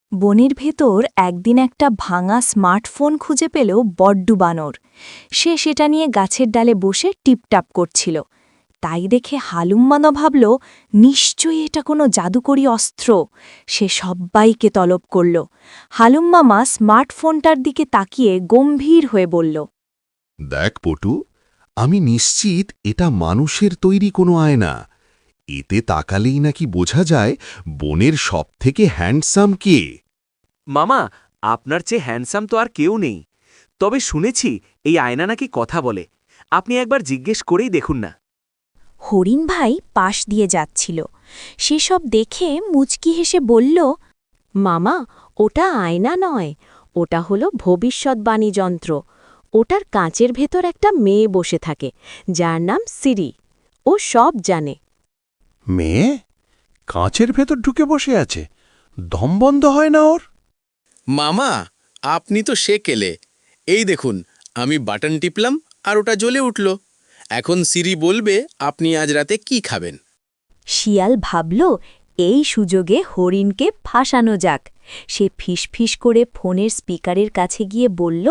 বনের ভেতর একদিন একটা ভাঙা স্মার্টফোন খুঁজে পেল বড্ডু বানর। সে সেটা নিয়ে গাছের ডালে বসে টিপটাপ করছিল। তাই দেখে হালুম্মানো ভাবল, নিশ্চয়ই এটা কোনো জাদুকরী অস্ত্র। সে সব্বাইকে তলব করল। হালুম্মামা স্মার্টফোনটার দিকে তাকিয়ে গম্ভীর হয়ে বলল, দেখ পটু, আমি নিশ্চিত এটা মানুষের তৈরি কোনো আয়না। এতে তাকালেই নাকি বোঝা যায় বনের সবথেকে হ্যান্ডসাম কে। মামা, আপনার চেয়ে হ্যান্ডসাম তো আর কেউ নেই। তবে শুনেছি এই আয়না নাকি কথা বলে। আপনি একবার জিজ্ঞেস করেই দেখুন না। হরিণ ভাই পাশ দিয়ে যাচ্ছিল। সেসব দেখে মুচকি হেসে বলল, মামা, ওটা আয়না নয়, ওটা হলো ভবিষ্যৎবাণী যন্ত্র। ওটার কাঁচের ভেতর একটা মেয়ে বসে থাকে, যার নাম সিরি। ও সব জানে। মেয়ে কাঁচের ভেতর ঢুকে বসে আছে, দম বন্ধ হয় না ওর? মামা, আপনি তো সেকেলে। এই দেখুন, আমি বাটন টিপলাম আর ওটা জ্বলে উঠল। এখন সিরি বলবে আপনি আজ রাতে কি খাবেন। শিয়াল ভাবল, এই সুযোগে হরিণকে ফাঁসানো যাক। সে ফিসফিস করে ফোনের স্পিকারের কাছে গিয়ে বলল,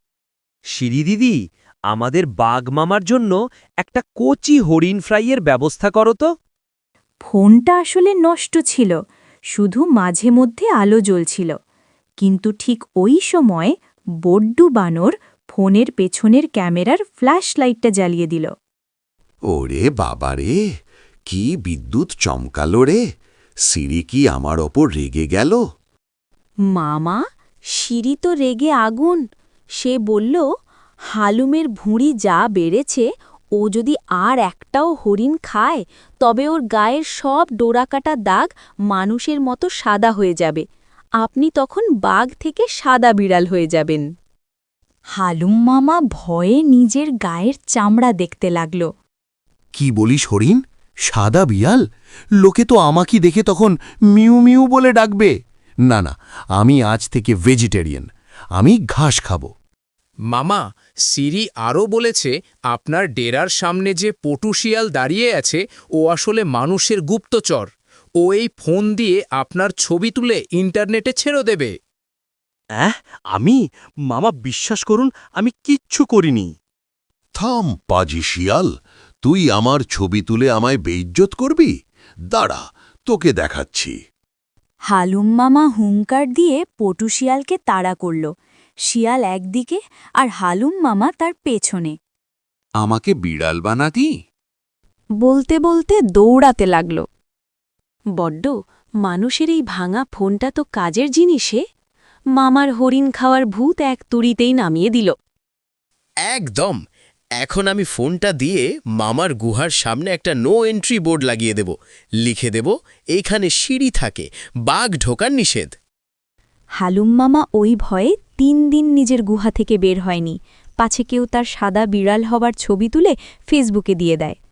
সিরি দিদি, আমাদের বাঘ মামার জন্য একটা কচি হরিণ ফ্রাইয়ের ব্যবস্থা করো তো। ফোনটা আসলে নষ্ট ছিল, শুধু মাঝে মধ্যে আলো জ্বলছিল। কিন্তু ঠিক ওই সময় বড্ডু বানর ফোনের পেছনের ক্যামেরার ফ্ল্যাশ লাইটটা জ্বালিয়ে দিল। ওরে বাবারে, কি বিদ্যুৎ চমকালো রে! সিরি কি আমার ওপর রেগে গেল? মামা, সিরি তো রেগে আগুন। সে বলল, হালুমের ভুঁড়ি যা বেড়েছে, ও যদি আর একটাও হরিণ খায়, তবে ওর গায়ের সব ডোরাকাটা দাগ মানুষের মতো সাদা হয়ে যাবে। আপনি তখন বাঘ থেকে সাদা বিড়াল হয়ে যাবেন। হালুম মামা ভয়ে নিজের গায়ের চামড়া দেখতে লাগল। কি বলিস হরিণ? সাদা বিড়াল? লোকে তো আমাকে দেখে তখন মিউ মিউ বলে ডাকবে। না না, আমি আজ থেকে ভেজিটেরিয়ান। আমি ঘাস খাবো। মামা, সিরি আরও বলেছে আপনার ডেরার সামনে যে পটু শিয়াল দাঁড়িয়ে আছে, ও আসলে মানুষের গুপ্তচর। ও এই ফোন দিয়ে আপনার ছবি তুলে ইন্টারনেটে ছেড়ে দেবে। আমি? মামা, বিশ্বাস করুন, আমি কিচ্ছু করিনি। থাম পাজি শিয়াল, তুই আমার ছবি তুলে আমায় বেইজ্জত করবি? দাঁড়া, তোকে দেখাচ্ছি। হালুম মামা হুঙ্কার দিয়ে পটু শিয়ালকে তাড়া করল। শিয়াল একদিকে আর হালুম মামা তার পেছনে। আমাকে বিড়াল বানাতি? বলতে বলতে দৌড়াতে লাগল। বড্ড, মানুষের এই ভাঙা ফোনটা তো কাজের জিনিসে। মামার হরিণ খাওয়ার ভূত এক তুড়িতেই নামিয়ে দিল। একদম। এখন আমি ফোনটা দিয়ে মামার গুহার সামনে একটা নো এন্ট্রি বোর্ড লাগিয়ে দেব। লিখে দেব, এইখানে সিঁড়ি থাকে, বাঘ ঢোকার নিষেধ। হালুম মামা ওই ভয়ে 3 দিন নিজের গুহা থেকে বের হয়নি, পাছে কেউ তার সাদা বিড়াল হবার ছবি তুলে ফেসবুকে দিয়ে দেয়।